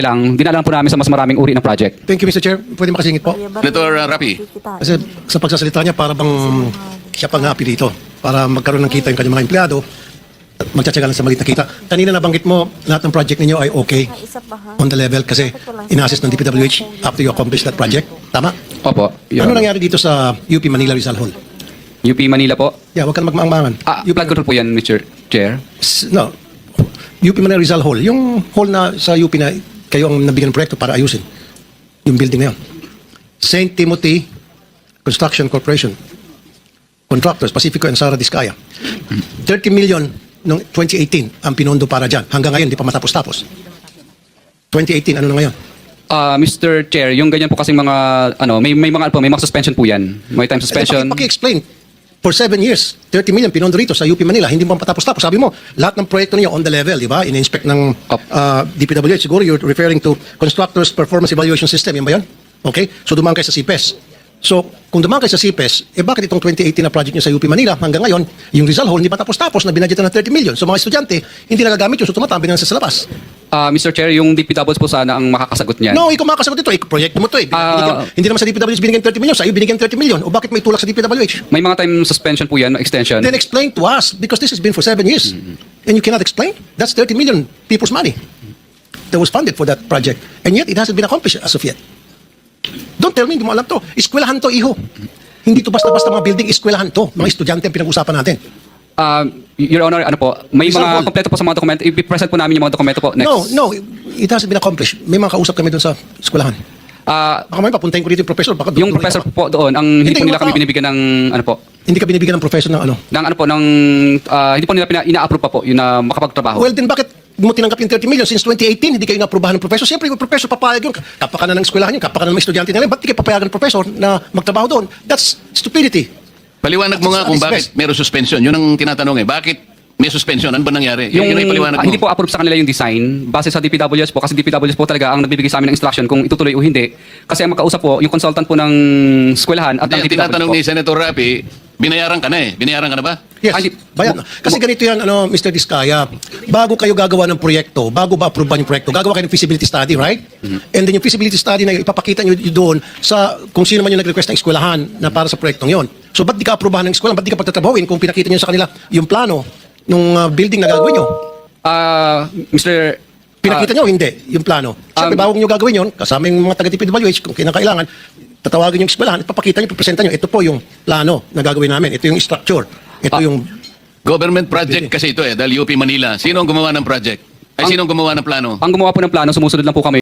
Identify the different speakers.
Speaker 1: lang, dinala po namin sa mas maraming uri ng project.
Speaker 2: Thank you, Mr. Chair. Pwede makasingit po.
Speaker 3: Senator Rapi.
Speaker 2: Kasi sa pagsasalita niya, para bang siya pang happy dito. Para magkaroon ng kita yung kanyang mga empleyado at magtsatsaga lang sa maliit na kita. Kanina nabanggit mo, lahat ng project ninyo ay okay on the level kasi in-assess ng DPWH after you accomplish that project. Tama?
Speaker 1: Opo.
Speaker 2: Ano nangyari dito sa UP Manila Rizal Hall?
Speaker 1: UP Manila po.
Speaker 2: Yeah, huwag ka na magmaang-maangan.
Speaker 1: Flood control po yan, Mr. Chair.
Speaker 2: No. UP Manila Rizal Hall. Yung hall na sa UP na kayo ang nabigyan ng proyekto para ayusin. Yung building na yun. St. Timothy Construction Corporation. Contractors, Pacifico and Sara Discaya. 30 million noong 2018 ang pinondo para dyan. Hanggang ngayon, di pa matapos-tapos. 2018, ano na ngayon?
Speaker 1: Mr. Chair, yung ganyan po kasing mga, may mga suspension po yan. May time suspension.
Speaker 2: Paki-explain. For 7 years, 30 million pinondo rito sa UP Manila, hindi mo patapos-tapos. Sabi mo, lahat ng proyekto niyo on the level, di ba? In-inspect ng DPWH. Siguro you're referring to Constructors Performance Evaluation System. Yan ba yun? Okay? So dumaan kayo sa CPES. So, kung dumaan kayo sa CPES, bakit itong 2018 na project niyo sa UP Manila hanggang ngayon, yung Rizal Hall, hindi pa tapos-tapos na binadgetan ng 30 million. So mga estudyante, hindi nagagamit yun. So tumatambi na sa labas.
Speaker 1: Mr. Chair, yung DPWH po sana ang makakasagot niyan.
Speaker 2: No, ikaw makakasagot ito. Proyekto mo ito eh. Hindi naman sa DPWH binigyan 30 million. Sa iyo binigyan 30 million. O bakit may tulak sa DPWH?
Speaker 1: May mga time suspension po yan, extension.
Speaker 2: Then explain to us because this has been for 7 years. And you cannot explain? That's 30 million people's money that was funded for that project. And yet, it hasn't been accomplished as of yet. Don't tell me, hindi mo alam to. Eskwelahan to, iho. Hindi to basta-basta mga building, eskwelahan to. Mga estudyante ang pinag-usapan natin.
Speaker 1: Your Honor, may
Speaker 2: Rizal
Speaker 1: mga
Speaker 2: Hall.
Speaker 1: kompleto po sa mga dokumento. I-present po namin yung mga dokumento po next.
Speaker 2: No, it hasn't been accomplished. May mga kausap kami doon sa eskwelahan. Baka may papuntahin ko dito yung professor. Baka
Speaker 1: Yung professor po doon, hindi po
Speaker 2: Hindi,
Speaker 1: nila kami
Speaker 2: wala.
Speaker 1: binibigyan ng
Speaker 2: Hindi ka binibigyan ng professor ng ano.
Speaker 1: hindi po nila ina-approve pa po yun na makapagtrabaho.
Speaker 2: Well, then bakit mo tinanggap yung 30 million since 2018, hindi kayo naaprubahan ng professor? Siyempre, yung professor papayag yun. Kapakanan ng eskwelahan yun, kapakanan ng mga estudyante nila. Ba't di kayo papayagan ng professor na magtrabaho doon? That's stupidity.
Speaker 3: Paliwanag mo nga kung bakit meron suspension. Yun ang tinatanong eh. Bakit may suspension? Ano ba nangyari? Yun ay paliwanag mo.
Speaker 1: Hindi po approve sa kanila yung design base sa DPWH po kasi DPWH po talaga ang nagbibigay sa amin ng instruction kung itutuloy o hindi. Kasi ang makausap po yung consultant po ng eskwelahan at ng
Speaker 3: Hindi,
Speaker 1: DPWH
Speaker 3: tinatanong
Speaker 1: po.
Speaker 3: ni Senator Rapi, binayaran ka na eh. Binayaran ka na ba?
Speaker 2: Yes, bayan. Kasi ganito yan, Mr. Diskaya, bago kayo gagawa ng proyekto, bago ba approvean yung proyekto, gagawa kayo ng feasibility study, right? And then yung feasibility study na ipapakita nyo doon sa kung sino man yung nag-request ng eskwelahan na para sa proyektong yon. So ba't di ka aprubahan ng eskwelahan? Ba't di ka pagtatrabahuin kung pinakita nyo sa kanila yung plano ng building na gagawin nyo?
Speaker 1: Mr.
Speaker 2: Pinakita nyo, hindi, yung plano. Siyempre, bago nyo gagawin yun, kasama yung mga taga-DPWH, kung kinakailangan, tatawagin yung eskwelahan, ipapakita nyo, ipapresenta nyo, ito po yung plano na gagawin namin, ito yung structure, ito yung...
Speaker 3: Government project kasi ito eh, dahil UP Manila. Sino ang gumawa ng project? Ay, sino ang gumawa ng plano?
Speaker 1: Ang gumawa po ng plano, sumusunod lang po kami